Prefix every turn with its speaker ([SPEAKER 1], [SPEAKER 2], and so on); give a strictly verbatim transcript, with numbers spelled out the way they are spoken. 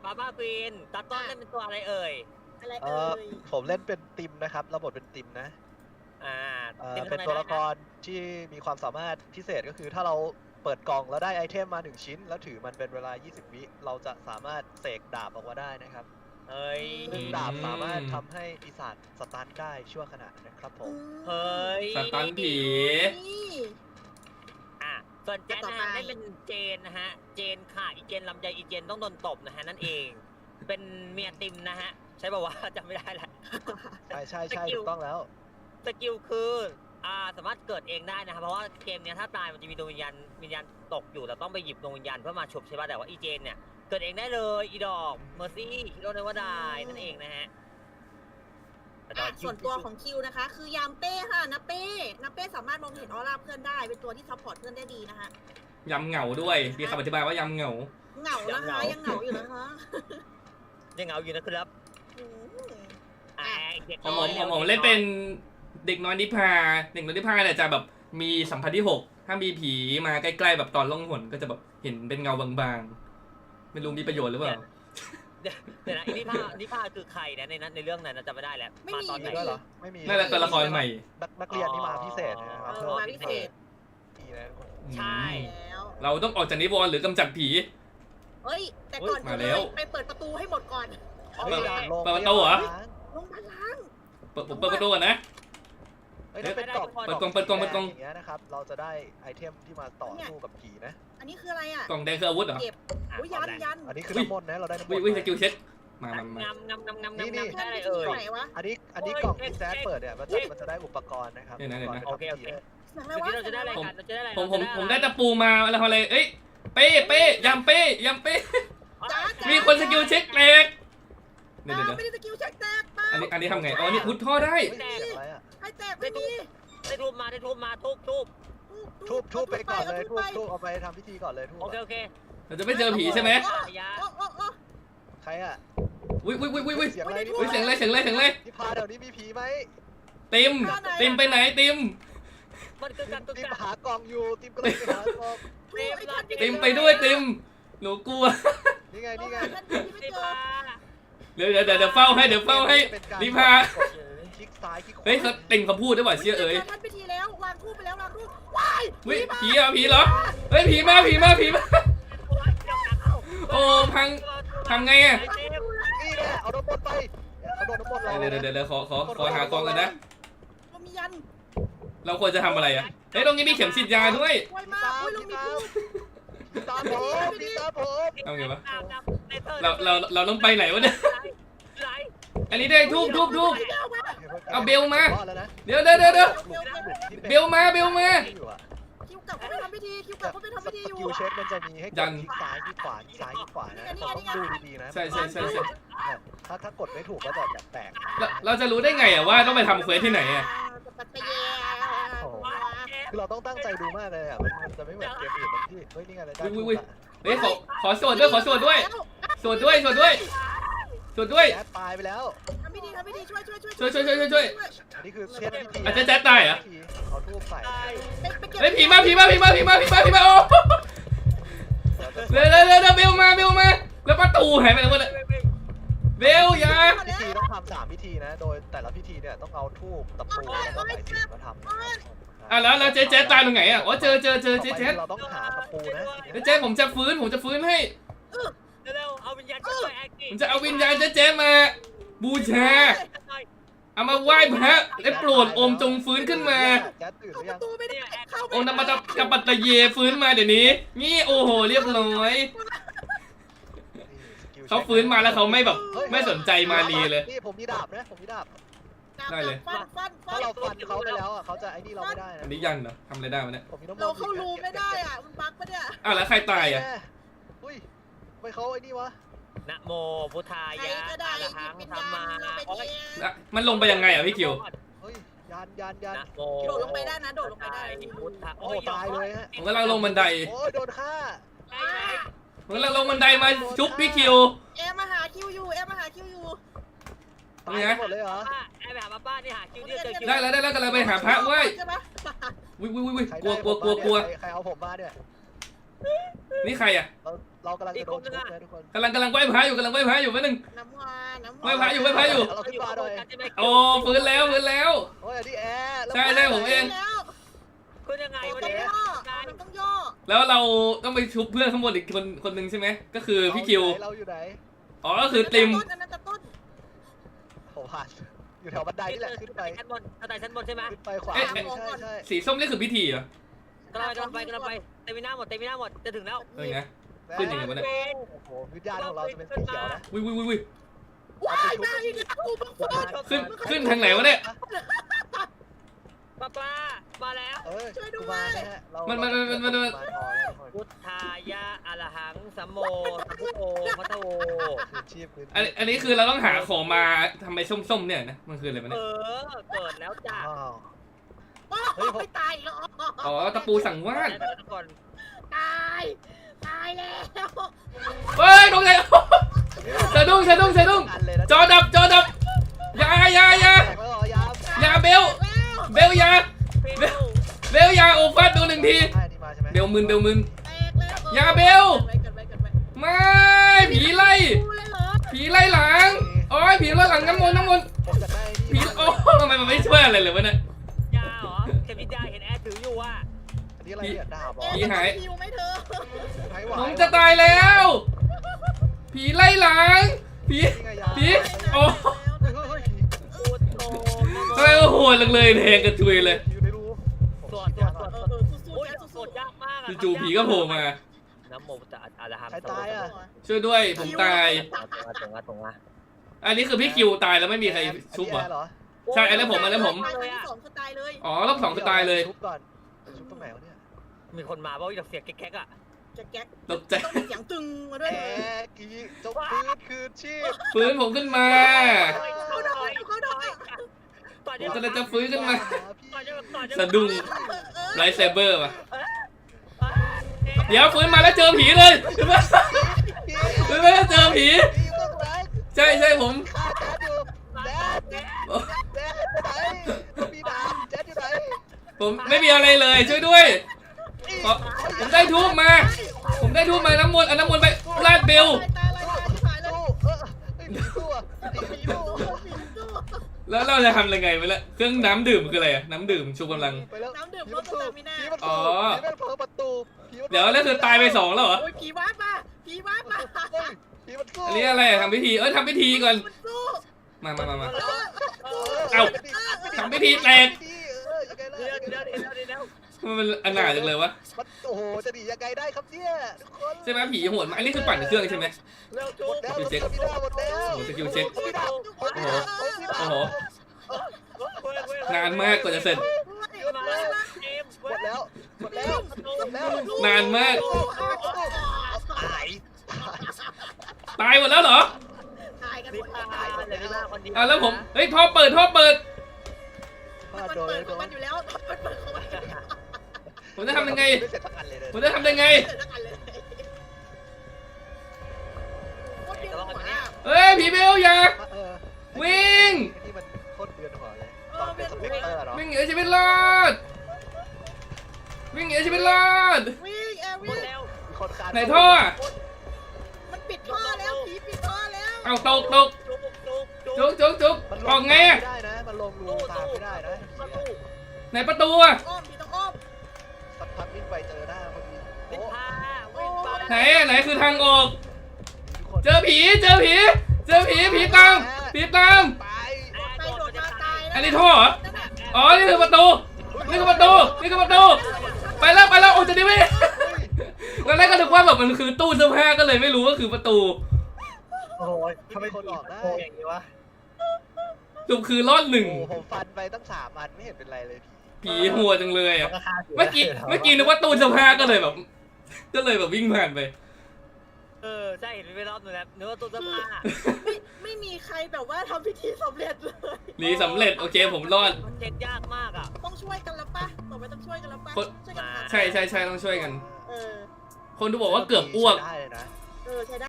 [SPEAKER 1] าบ้าควีนตาต้นเล่นเป็นตัวอะไรเอ่ย
[SPEAKER 2] อะไร
[SPEAKER 3] เอ
[SPEAKER 2] เอ่
[SPEAKER 3] อย ผมเล่นเป็นติมนะครับระบบเป็นติมนะ
[SPEAKER 1] อ่า
[SPEAKER 3] เออเป็นตัวละครที่มีความสามารถพิเศษก็คือถ้าเราเปิดกล่องแล้วได้ไอเทมมาหนึ่งชิ้น แล้วถือมันเป็นเวลายี่สิบวิเราจะสามารถเสกดาบออกมาได้นะครับ
[SPEAKER 1] เฮ้ย
[SPEAKER 3] ซึ่งดาบสามารถทำให้ปีศาจสตันได้ชั่วขณะนะครับผม
[SPEAKER 1] เฮ้ย
[SPEAKER 4] สตันผี
[SPEAKER 2] นี่
[SPEAKER 1] อ่ะส่วนแจน
[SPEAKER 2] ต่อ
[SPEAKER 1] นะ
[SPEAKER 2] ไป
[SPEAKER 1] ฮะได้เป็นเจนนะฮะเจนค่ะอีเจนลำไยอีเจนต้องโดนตบนะฮะนั่นเอง เป็นเมียติมนะฮะใช่ป่าวะจำไม่ได้ละ
[SPEAKER 3] ใช่ใช่ใช่ถูกต้องแล้ว
[SPEAKER 1] สกิลคืออ่าสามารถเกิดเองได้นะครับเพราะว่าเกมเนี้ยถ้าตายมันจะมีดวงวิญญาณวิญญาณตกอยู่เราต้องไปหยิบดวงวิญญาณเพื่อมาฉุบใช่ป่ะแต่ว่าอีเจนเนี่ยเกิดเองได้เลยอีดอกเมอร์ซี่ฮิโรเนวาดายนั่นเองนะฮะแต่ต
[SPEAKER 2] อ่ะ
[SPEAKER 1] อนคิ
[SPEAKER 2] ส่วนตัวของคิวนะคะ คือยามเป้ค่ะนาเป้นาเป้สามารถมองเห็นออร่าเพื่อนได้ เป็นตัวที่ซัพพอร์ตเพื่อนได้ดีนะคะ
[SPEAKER 4] ยำเหงาด้วยมีคำอธิบายว่ายำเหงา
[SPEAKER 2] เหงานะคะยังเหงาอยู่นะคะ
[SPEAKER 1] ยังเหงาอยู่นะครับ
[SPEAKER 2] อืม
[SPEAKER 1] อ่าอีกเด็ก
[SPEAKER 4] ผมผมผมผมเล่นเป็นเด็กน้อยนิพาเด็กน้อยนิพาเนี่ยจะแบบมีสัมผัสที่หกถ้ามีผีมาใกล้ๆแบบตอนล่องหนก็จะแบบเห็นเป็นเงาบางๆไม่รู้มีประโยชน์หรือเปล่า
[SPEAKER 1] เดี๋ยวเดี๋ยวนะอีนิพานิพาคือใครนะในนั้นในเรื่องนั้นนะจำไม่ได้แล้วมาตอนไหน
[SPEAKER 3] มีด้วยเหรอไม่มี
[SPEAKER 4] นั่นแหละตัวละครใหม่
[SPEAKER 3] นักนักเรียนที่มาพิเศษนะค
[SPEAKER 2] เอ
[SPEAKER 3] รับ
[SPEAKER 2] อมาพิเศษ
[SPEAKER 3] ดีนะทุกคน
[SPEAKER 1] ใช่
[SPEAKER 2] แล้ว
[SPEAKER 4] เราต้องออกจากนิวรณ์หรือกำจัดผี
[SPEAKER 2] เฮ้ย แต่ก่อน
[SPEAKER 4] มา
[SPEAKER 2] อื่น
[SPEAKER 4] แล้
[SPEAKER 2] เล
[SPEAKER 4] ว
[SPEAKER 2] ยไปเปิดประตูให้หมดก่อน
[SPEAKER 3] เฮ้ยด่านลง
[SPEAKER 4] เปิดประตูเหรอ
[SPEAKER 2] ลงมาล้าง
[SPEAKER 4] เปิดผมเปิดประตูก่อนนะ
[SPEAKER 3] เฮ้ยถ้าเป็นกล่อง
[SPEAKER 4] เปิดกล่องเปิดกล่องเปิดกล่อง
[SPEAKER 3] อย่างเงี้ยนะครับเราจะได้ไอเทมที่มาต่อสู้กับผีนะ
[SPEAKER 2] อันนี้คืออะไรอ่ะ
[SPEAKER 4] กล่องแดงคืออาวุธเหรอ
[SPEAKER 2] เก็บ
[SPEAKER 1] อ่ะ
[SPEAKER 2] อุ้ยยันยัน
[SPEAKER 3] อันนี้คือน้ำมนต์นะเราได้น้ำม
[SPEAKER 4] วิ
[SPEAKER 3] นต์
[SPEAKER 4] วิส
[SPEAKER 3] มา
[SPEAKER 4] กิลเช็คมามามา
[SPEAKER 1] งำงำงำงำ
[SPEAKER 3] นี่
[SPEAKER 1] งำ
[SPEAKER 3] นี่
[SPEAKER 1] งำ
[SPEAKER 2] ท่าน
[SPEAKER 1] ได้
[SPEAKER 2] ไป
[SPEAKER 1] เอ่ย
[SPEAKER 2] ที่ไหนวะ
[SPEAKER 3] อันนี้อันนี้
[SPEAKER 1] โอ้ย
[SPEAKER 3] กล่อง
[SPEAKER 1] เช็ค
[SPEAKER 3] ที่แซด
[SPEAKER 1] เช็ค
[SPEAKER 3] เปิดเนี่ยมัน
[SPEAKER 1] เช็
[SPEAKER 3] จะ
[SPEAKER 1] ค
[SPEAKER 3] มันจะได้อุปกรณ์นะครับ
[SPEAKER 4] เดี๋ยวนะเดี๋ยวนะ
[SPEAKER 1] โอเคโอเค
[SPEAKER 2] เสียงอะไร
[SPEAKER 1] เดี๋ยว
[SPEAKER 2] วะ
[SPEAKER 1] เราจะได้อะไรกันเราจะได้อะไร
[SPEAKER 4] ผมผม
[SPEAKER 1] เราจะ
[SPEAKER 4] ผมได้ตะปูมาแล้วทำอะไรเอ้ยเป้เป้ยำเป้ยำเป้
[SPEAKER 2] จ้าจ้า
[SPEAKER 4] มีคนสกิลเช็คแตกเดี๋ยว
[SPEAKER 2] ป้า
[SPEAKER 4] เดี๋ยว
[SPEAKER 2] ไม่ได้สกิลแจ็คแตกป้า
[SPEAKER 4] อันนี้อันนี้ทำไงอ๋อนี่พุทท่อได้
[SPEAKER 3] เฮ้ยเสียงอะไรอ่ะ
[SPEAKER 2] ใครแตกไม่มี
[SPEAKER 1] ได้ทูบมาได้ทูบมาทุบทุบ
[SPEAKER 3] ทูบทูบไปก่อนเลย
[SPEAKER 2] ทู
[SPEAKER 3] ทู
[SPEAKER 2] บบ
[SPEAKER 3] ทูบเอาไปทำพิธีก่อนเลยทูบ
[SPEAKER 1] โอเคโอเค
[SPEAKER 4] เราจะไม่เจอผีใช่ไหม
[SPEAKER 1] ยา
[SPEAKER 2] โอ้โอ้โอ้
[SPEAKER 3] ใครอ่ะ
[SPEAKER 4] วิวิวิวิวิ
[SPEAKER 3] เสียงอะไร
[SPEAKER 4] วิเสียงเลยเสียงเลยเสียงเลย
[SPEAKER 3] นี่พาเดี๋ยวนี้มีผีไหม
[SPEAKER 4] ติมติมไปไหนติม
[SPEAKER 1] มันคือการตุก
[SPEAKER 3] ติม
[SPEAKER 1] กา
[SPEAKER 3] หากล่องอยู่ติมก็เลยไปหากล่อง
[SPEAKER 4] ติมไปด้วยติมหนูกลัว
[SPEAKER 3] นี่ไงนี่ไง
[SPEAKER 2] ท่านที่ไม่
[SPEAKER 1] ติ
[SPEAKER 2] เจอ
[SPEAKER 1] มา
[SPEAKER 4] เดี๋ยวเดี๋ยวเดี๋ยวเดี๋ยวเฝ้าให้เดี๋ยวเฝ้าให้นิพา
[SPEAKER 3] คลิกซ้ายคลิกขวา
[SPEAKER 4] เฮ้ยเขาติมเขาพูดได้ป่ะเชื่อเอ๋ย
[SPEAKER 2] ท่านไปทีแล้ววางคู่ไปแล้ววางคู่ว้าย
[SPEAKER 4] วิผีเหรอผีเหรอเฮ้ยผีมาผีมาผีมาโอ้พังทำไงอ่ะ
[SPEAKER 3] นี่แหละเอาน้ำมนต์ไปเอาโดนน้ำมนต์เรา
[SPEAKER 4] เดี๋ยวเดี๋ยวเดี๋ยวเดี๋ยวขอขอขอหากองกันนะ
[SPEAKER 2] เรามียัน
[SPEAKER 4] เราควรจะทำอะไรอ่ะเฮ้ยตรงนี้มีเข็มฉีดยาด้วย
[SPEAKER 2] ไวมากอุ้ยเรามีคู่
[SPEAKER 3] ตามผมพี่ตามผม
[SPEAKER 4] เอาไงวะเราเราเราต้องไปไหนวะเนี่ย
[SPEAKER 1] ไหล
[SPEAKER 4] อันนี้ได้ทูบทูบทูบ เอาเบลมา
[SPEAKER 3] รอดแล้วนะ
[SPEAKER 4] เดี๋ยวเดี๋ยวเดี๋ยวเดี๋ยว
[SPEAKER 3] เบล
[SPEAKER 4] เบลมาเบลมา
[SPEAKER 2] คิวกลับเขาไปทำพิธีคิวกลับเขาไปทำพิธีอยู่
[SPEAKER 3] คิวเช็คมันจะมีให้ก
[SPEAKER 4] ยั
[SPEAKER 3] ด
[SPEAKER 4] น
[SPEAKER 3] คลิกซ้ายคลิกขวาคลิกซ้ายคลิกขวานะต้องดูดีๆนะ
[SPEAKER 4] ใช่ใช่ใช่ใช่
[SPEAKER 3] ถ้าถ้ากดไม่ถูกก็จะแบบแตก
[SPEAKER 4] เราเราจะรู้ได้ไงอ่ะว่าต้องไปทำเควสที่ไหนอ่ะ
[SPEAKER 2] ปัตตะเย
[SPEAKER 3] คือเราต้องตั้งใจดูมากเลยอ่ะมันจะไม่เหมือนเกมอื่นที่เฮ้ยนี่ไงเลยได้
[SPEAKER 4] วิววิวเฮ้ยขอขอสวดด้วยขอสวดด้วยสวดด้วยสวดด้วยสวดด้วย
[SPEAKER 3] แจ๊ดตายไปแล้ว
[SPEAKER 2] ทำพิธีทำพิธีช่วยช่วยช่วย
[SPEAKER 4] ช่วยช่วยช่วยช่วยช่วย
[SPEAKER 3] อันนี้คือเทศพิธี
[SPEAKER 4] อาจจะแจ๊ดตายเหรอ
[SPEAKER 3] เอาทูบใส่
[SPEAKER 4] เฮ้ยผีมาผีมาผีมาผีมาผีมาผีมาโอ้เร็วเร็วเร็วเร็วเบลมาเบลมาแล้วประตูหายไปไหนหมดเลยเบลอย่า
[SPEAKER 3] พิธีต้องทำสามพิธีนะ โดยแต่ละพิธีเนี่ยต้องเอาทูบตะปูแล้วก็สายสิญจน์มาทำ
[SPEAKER 4] อ่ะแล้วแล้วเจ๊เจ๊ตายตรงไหนอ่ะอ๋อเจอเจอเจอเจ๊เจ๊
[SPEAKER 3] เราต้องหาตะปูนะ
[SPEAKER 4] เจ๊เจ๊ผมจะฟื้นผมจะฟื้นให้
[SPEAKER 1] เร็วเอาวิญญาณช่วยแอคกี้
[SPEAKER 4] ผมจะเอาวิญญาณเจ๊เจ๊มาบูชาเอามาไหว้พระและโปรดอมจงฟื้นขึ้นมา
[SPEAKER 3] แจ๊ดตื่นห
[SPEAKER 2] เข้า
[SPEAKER 3] รือ
[SPEAKER 2] ป
[SPEAKER 3] ยัง
[SPEAKER 2] ระตูไม่ได้เข้า
[SPEAKER 4] องค์นมัตกปัตตะเยฟื้นมาเดี๋ยวนี้นี่โอ้โหเรียบร้อยเขาฟื้นมาแล้วเขาไม่แบบไม่สนใจมาลีเลย
[SPEAKER 3] นี่ผมมีดาบนะผมมีดาบ
[SPEAKER 2] ฟันฟันฟั
[SPEAKER 3] ถ้าน เราฟันเขาไปแล้วอ่ะเขาจะไอ้นี่เราไม่ได้นะ
[SPEAKER 4] อันนี้ยันเหรอทำอะไรได้วะเนี่ย
[SPEAKER 3] ผมมีน้ำมัน
[SPEAKER 2] เราเข้ารูไม่ได้อ่ะมันบั๊กปะเนี่ย
[SPEAKER 4] อ้าวแล้วใครตายอ่ะ
[SPEAKER 3] อุ้ยทำไมเขาไอ้นี่วะ
[SPEAKER 1] นะโมพุทธา
[SPEAKER 2] ใคร
[SPEAKER 1] ยะ
[SPEAKER 2] ก็ได้
[SPEAKER 1] อะระ
[SPEAKER 2] หยิ
[SPEAKER 1] หั
[SPEAKER 2] บ
[SPEAKER 1] ง
[SPEAKER 2] วิญ
[SPEAKER 1] ธรร
[SPEAKER 2] ญา
[SPEAKER 1] มา
[SPEAKER 2] ณเราไป
[SPEAKER 1] โอ้ย
[SPEAKER 2] ที
[SPEAKER 4] แล้วมันลงไปยังไงอ่ะพี่คิว
[SPEAKER 3] เฮ้ยยานยานยาน
[SPEAKER 1] นะโม
[SPEAKER 2] โดดลงไปได้นะโดดลงไปได้
[SPEAKER 1] พุทธะ
[SPEAKER 3] โอ้โหตายเลยฮะ
[SPEAKER 4] ผมกำลังลงบันได
[SPEAKER 3] โอ้ยโดนฆ่า
[SPEAKER 4] ผมกำลังลงบันไดมาชุบพี่คิว
[SPEAKER 2] เอ็มมาหาคิวอยู่เอ็มมาหาคิวอยู่
[SPEAKER 3] ตายหมดเลยเหรอ
[SPEAKER 1] ป้าไอ้แบบป้านี่หาคิวที่เจอคิว
[SPEAKER 4] ได้แล้วได้แล้วกำลังไปหาพระเว้ย
[SPEAKER 2] ใช่ไหม
[SPEAKER 4] วิววิววิว
[SPEAKER 3] ใคร
[SPEAKER 4] กลัว
[SPEAKER 3] ได้
[SPEAKER 4] กลัวกลัวกลัว
[SPEAKER 3] ใครเอาผมมาเนี่ย
[SPEAKER 4] นี่ใครอ่ะ
[SPEAKER 3] เราเรากำลังจะโดนชุบนะทุกคน
[SPEAKER 4] กำลังกำลังไหว้พระอยู่กำลังไหว้พระอยู่แป๊บนึง
[SPEAKER 2] น้ำวาน้ำ
[SPEAKER 4] ไหว้พระอยู่ไหว้พระอยู่
[SPEAKER 3] เราขึ้นมาหน่อย
[SPEAKER 4] โอ้ฟื้นแล้วฟื้นแล้ว
[SPEAKER 3] โอ้ยอันนี้แอร์
[SPEAKER 4] ใช่ใช่ผมเอง
[SPEAKER 2] แล้ว
[SPEAKER 1] คุณยังไง
[SPEAKER 2] มัน
[SPEAKER 1] วัน
[SPEAKER 2] ต้อง
[SPEAKER 1] นี้
[SPEAKER 2] ย่อมันต้องย่อ
[SPEAKER 4] แล้วเราต้องไปชุบเพื่อนข้างบนอีกคนคนหนึ่งใช่ไหมก็คือพี่คิว
[SPEAKER 3] เราอยู่ไหน
[SPEAKER 4] อ๋อก็คือติม
[SPEAKER 2] อันนั้นจะต้น
[SPEAKER 3] ผมผ่านอยู่แถวบันไดนี่แหละขึ้นไป
[SPEAKER 1] ชั้นบนชั้นใต้ชั้นบนใช่ไหม
[SPEAKER 3] ขึ้นไปขวา
[SPEAKER 4] เอ๊ะ
[SPEAKER 3] ใช่ใช่
[SPEAKER 4] สีส้มนี่คือพิธีเหรอก
[SPEAKER 1] ำลังกำลังไปกำลังไปเต็มหน้าหมดเต็มหน้าหมดจะถึงแล้ว
[SPEAKER 4] เออไง ขึ้นยังไงวะเนี่ย
[SPEAKER 3] โอ้โหวิญญาณของเราจะเป็นสีเขียวนะ
[SPEAKER 4] วิววิววิววิว
[SPEAKER 2] ว้ายมาอีกแล้วกูเพิ่งเปิด
[SPEAKER 4] ขึ้นขึ้นทางไหนวะเนี่ย
[SPEAKER 1] ป้าป้ามาแล้ว
[SPEAKER 3] เอ้ยกุมารนะฮะเรา
[SPEAKER 4] มันมันมันมันมัน
[SPEAKER 3] กุารทองนะทุกคน
[SPEAKER 1] พุทธายะอรหังสัมโมสัมพุทโธพัทโธ
[SPEAKER 3] คืนชีพคืนชีพ
[SPEAKER 4] อันอันนี้คือเราต้องหาของมาทำไมส้มๆเนี่ยนะมันคืออะไรวะ
[SPEAKER 1] เอ
[SPEAKER 4] เนี่ย
[SPEAKER 1] อเกิดแล้วจ้ะ
[SPEAKER 3] อ้าว
[SPEAKER 2] โอ้ยไม่ตายอีกแล้ว
[SPEAKER 4] อ๋อตะปูสั่งวาด
[SPEAKER 1] ได้ทุกคน
[SPEAKER 2] ตายตายแล้ว
[SPEAKER 4] เฮ้ยตรงไหนสะดุ้งสะดุ้งสะดุ้ง
[SPEAKER 3] อันเลยนะ
[SPEAKER 4] จอดับจอดับอยาอยาอยา
[SPEAKER 3] แตกแล้วเหรอยาม
[SPEAKER 4] อยาเบลเบลอยา
[SPEAKER 1] ฟิว
[SPEAKER 4] เบลอยาโอฟัดดูหนึ่งที
[SPEAKER 3] ใช่นี่มาใช่ไหม
[SPEAKER 4] เบลมึนเบลมึน
[SPEAKER 2] แตกแล้ว
[SPEAKER 4] อย่าเบล
[SPEAKER 2] กันไปกันไป
[SPEAKER 4] ไม่ผีไล่
[SPEAKER 2] ดูเลยเหรอ
[SPEAKER 4] ผีไล่หลังโอ้ยผีไล่หลังน้ำมนต์น้ำมนต์
[SPEAKER 3] ผมจะได้
[SPEAKER 4] ผี
[SPEAKER 3] นี่
[SPEAKER 4] โอ้ทำไมมันไม่ช่วยอะไรเลยวะเนี่ย
[SPEAKER 1] ยาเหรอเข็มพิดาเห็นแอดถืออยู่ว่า
[SPEAKER 3] อันนี้อะไรเนี่ยดาบเหรอ
[SPEAKER 4] ผีหาย
[SPEAKER 2] คิวไหมเธอ
[SPEAKER 3] หายหวา
[SPEAKER 4] ผมจะตายแล้ว ผีไล่หลังผี
[SPEAKER 3] นี่ไงยา
[SPEAKER 4] ผีโอ้
[SPEAKER 3] เฮ้ยเฮ้ยเฮ้ยผี
[SPEAKER 1] พุทโธนะโม
[SPEAKER 4] ทำไมโอ้โหดเลยแทงกระจุยเลย
[SPEAKER 3] อยู่ในรูผม
[SPEAKER 1] สวด
[SPEAKER 3] ฉี
[SPEAKER 1] ส
[SPEAKER 3] ด
[SPEAKER 1] วด
[SPEAKER 3] ยา
[SPEAKER 1] ส
[SPEAKER 3] ก่
[SPEAKER 1] ว
[SPEAKER 3] อ
[SPEAKER 1] ด
[SPEAKER 3] น
[SPEAKER 1] สวด
[SPEAKER 2] สู้
[SPEAKER 1] โอ้ย
[SPEAKER 2] ๆ
[SPEAKER 1] สวดยากมากอะ
[SPEAKER 4] จู่ๆผีก็โผล่มา
[SPEAKER 1] น้ำโมพุทธะอรหัง
[SPEAKER 3] ใครตายอ่ะ
[SPEAKER 4] ช่วยด้วยผมตาย
[SPEAKER 1] ตรงมาตรงมาตรงมา
[SPEAKER 4] อันนี้คือพี่คิวตายแล้วไม่มีใครชุบเหรอ
[SPEAKER 3] อันนี้แอร์เหรอ
[SPEAKER 4] ใช่อันนั้นผมอันนั้นผม
[SPEAKER 2] ตายเลยที่สองคือตายเลย
[SPEAKER 4] อ๋อรอบสองคือตายเลย
[SPEAKER 3] ชุบก่อนชุบตรงไหนวะเนี่ย
[SPEAKER 1] มีคนมาเพราะว่าเสียงแก๊กๆอ่ะ
[SPEAKER 2] จะแก๊ก
[SPEAKER 4] ตกใจ
[SPEAKER 2] ต้องมีเสียงตึงมาด้วย
[SPEAKER 3] แอร์กีจงฟื้นคืนชีพ
[SPEAKER 4] ฟื้นผมขึ้นมา
[SPEAKER 1] เขาหน่อยเขาหน่อยต่อ
[SPEAKER 4] ผม
[SPEAKER 1] จะ
[SPEAKER 4] กำลังจะฟื้นขึ้นมา
[SPEAKER 1] ต่อจะต่อจะ
[SPEAKER 4] สะดุ้ง
[SPEAKER 2] เออ
[SPEAKER 4] ไลท์เซเบอร์ว่ะเดี๋ยวฟื้นมาแล้วเจอผีเลยฟื้นมาฟื้นมาแล้วเจอผี
[SPEAKER 3] ผีอยู่ตรงไหน
[SPEAKER 4] ใช่ใช่ผม
[SPEAKER 3] ฆ่าแจ๊ดอยู่แจ๊ดแจ๊ดแจ๊ดไปไหนมีดาบแจ๊ดอยู่ไหน
[SPEAKER 4] ผมไม่มีอะไรเลยช่วยด้วยขอผมได้ทูบมา ผมได้ทูบมาน้ำมนต์เอาน้ำมนต์ไปลาดเบล
[SPEAKER 2] ตายตายตายตายเลย
[SPEAKER 3] สู้เออไอ้ผีสู้อะผี
[SPEAKER 2] ผี
[SPEAKER 3] สู้
[SPEAKER 2] สู้ผีสู้
[SPEAKER 4] แล้วเราจะทำยังไงไปละเครื่องน้ำดื่มคืออะไรอะน้ำดื่มชูกำลัง
[SPEAKER 3] ไปแล้ว
[SPEAKER 2] น้ำดื่ม
[SPEAKER 3] ผี
[SPEAKER 2] ร
[SPEAKER 3] มั
[SPEAKER 2] ถ
[SPEAKER 3] น
[SPEAKER 2] ส
[SPEAKER 3] สู้
[SPEAKER 2] ตามิน่า
[SPEAKER 3] ผีมัน
[SPEAKER 4] อ๋
[SPEAKER 3] สู้
[SPEAKER 4] อ
[SPEAKER 3] ผีมันเปิดประตูผีมัน
[SPEAKER 4] เดี๋ยวนั่นคือตายไปสองแล้วเหรอ
[SPEAKER 2] โอ้ยผีวาดมาผีวาดมา
[SPEAKER 3] เฮ้ยผีมันสู้
[SPEAKER 4] อันนี้อะไรอะทำพิธีเอ้ยทำพิธีก่อน
[SPEAKER 2] มันสู้
[SPEAKER 4] มามามามา
[SPEAKER 2] เออ
[SPEAKER 4] เอ้าทำพิธีแตก
[SPEAKER 3] เออยังไงล่ะ
[SPEAKER 1] เดี๋ยวเดี๋ยวเดี๋ยวเดี๋ยว
[SPEAKER 4] มันอนาถจังเลยวะ
[SPEAKER 3] มันโอ้โหจะหนียังไงได้ครับเนี่ยทุกคน
[SPEAKER 4] ใช่ไหมผีโหดมากอันนี้คือปั่นเครื่องใช่ไหม
[SPEAKER 1] เร็ว
[SPEAKER 3] ห
[SPEAKER 1] จุ๊
[SPEAKER 3] ม
[SPEAKER 1] บ
[SPEAKER 3] ดแล้ว
[SPEAKER 4] สกิลเช็ค
[SPEAKER 3] สกิลหมดแล้ว
[SPEAKER 4] โอ้สกิลเช็ค
[SPEAKER 3] โอ้โห
[SPEAKER 4] โอ้โห นานมากกว่าจะเสร็จ
[SPEAKER 1] มาเกม
[SPEAKER 3] หมดแล้วหมดแล้วหมดแล้ว
[SPEAKER 4] นานมาก
[SPEAKER 3] ตาย
[SPEAKER 4] ตายหมดแล้วเหรอ
[SPEAKER 2] ตายกันห
[SPEAKER 1] นิ
[SPEAKER 2] มด
[SPEAKER 1] พาเลยนิพาคนเดียว
[SPEAKER 4] อ่ะแล้วผม เฮ้ยท่อเปิดท่อเปิด
[SPEAKER 3] พลา
[SPEAKER 2] มัน
[SPEAKER 3] ดโดน
[SPEAKER 2] เปิด
[SPEAKER 3] โด
[SPEAKER 2] ของมัน นอยู่แล้วมันเปิดของมันอยู่แล้ว
[SPEAKER 4] ผมจะทำยังไง
[SPEAKER 3] ไม่เสร็จสักอันเลยเลย
[SPEAKER 4] ผมจะทำยังไง
[SPEAKER 2] เปิดทั้งอันเลยโคตรเดือดหัวอ่ะ
[SPEAKER 4] เฮ้ยผีเบลอย่า
[SPEAKER 3] เออ
[SPEAKER 4] วิ่ง
[SPEAKER 3] ที่มันโคตรเดือนหัวเลยตอนเป็นสเปกเตอร์เนาะ
[SPEAKER 4] วิ่งหนีเอาชีวิตรอด วิ่งหนีเอาชีวิตรอด
[SPEAKER 2] วิ่งแอร์
[SPEAKER 1] หม
[SPEAKER 2] วิ่
[SPEAKER 1] ด
[SPEAKER 2] ง
[SPEAKER 1] แล้ว
[SPEAKER 3] มีคนคาน
[SPEAKER 4] ไหนท่ออะ
[SPEAKER 2] มันปิดท่อแล้วผีปิดท่อแล้ว
[SPEAKER 4] เอาตกตก
[SPEAKER 1] จุ๊บจุ๊บจุ๊บ
[SPEAKER 4] จุกจุกจุก
[SPEAKER 3] มันล
[SPEAKER 4] ออกไงอะ
[SPEAKER 3] ไม่ได้นะมันลงรูตามไม่ได้นะ
[SPEAKER 1] ประตู
[SPEAKER 4] ไหนประตูอะ
[SPEAKER 2] อ้อมผีต้องอ้อม
[SPEAKER 3] สักพักวิ่งไปเจอหน้าพอดี
[SPEAKER 1] นิ
[SPEAKER 3] โอ้
[SPEAKER 1] พาวิ่งไป
[SPEAKER 4] ไหนอะไหนคือทางออก
[SPEAKER 3] ทุกคน
[SPEAKER 4] เจอผี เจอผี เจอผี ผีตาม ผีตาม
[SPEAKER 3] ไป
[SPEAKER 2] ไปโดดมาตาย
[SPEAKER 4] อันนี้ท่อเหรอ
[SPEAKER 2] นั่นน่ะ
[SPEAKER 4] อ๋อ นี่คือประตู นี่คือประตู นี่คือประตู ไปแล้วไปแล้วโอ้จะดีไหม
[SPEAKER 3] เฮ้ย
[SPEAKER 4] ตอนแรกก็นึกว่าแบบมันคือตู้เสื้อผ้าก็เลยไม่รู้ว่าคือประตู
[SPEAKER 3] โอ้ยทำไมคนออกได้
[SPEAKER 1] อย่างนี้วะ
[SPEAKER 4] สรุปคือรอดหนึ่ง
[SPEAKER 3] โอ้ผมฟันไปตั้งสามอันไม่เห็นเป็นไรเลยผี
[SPEAKER 4] ผีหัวจังเลยอ่ะ เมื่อกี้ เมื่อกี้นึกว่าตู้เสื้อผ้าก็เลยแบบ ก็เลยแบบวิ่งผ่านไป
[SPEAKER 1] เออใช่เห็นไปรอบนึงแล้วนึกว่าตู้เสื้อผ้า
[SPEAKER 2] ไม่ไม่มีใครแบบว่าทำพิธีสำเร็จเลย
[SPEAKER 4] หนีสำเร็จโอเคผมรอด
[SPEAKER 1] มันเช็คยากมากอ่ะ
[SPEAKER 2] ต้องช่วยกันแล้วป่ะต่อไปต้องช่วยกันแล้วป่ะ
[SPEAKER 4] คน
[SPEAKER 2] ช่วยกันหา
[SPEAKER 4] ใช่ใช่ใช่ต้องช่วยกัน
[SPEAKER 2] เออ
[SPEAKER 4] คนดูบอกว่าเกือบอ้วก
[SPEAKER 3] ได้เลยนะ
[SPEAKER 2] เออใช้ได้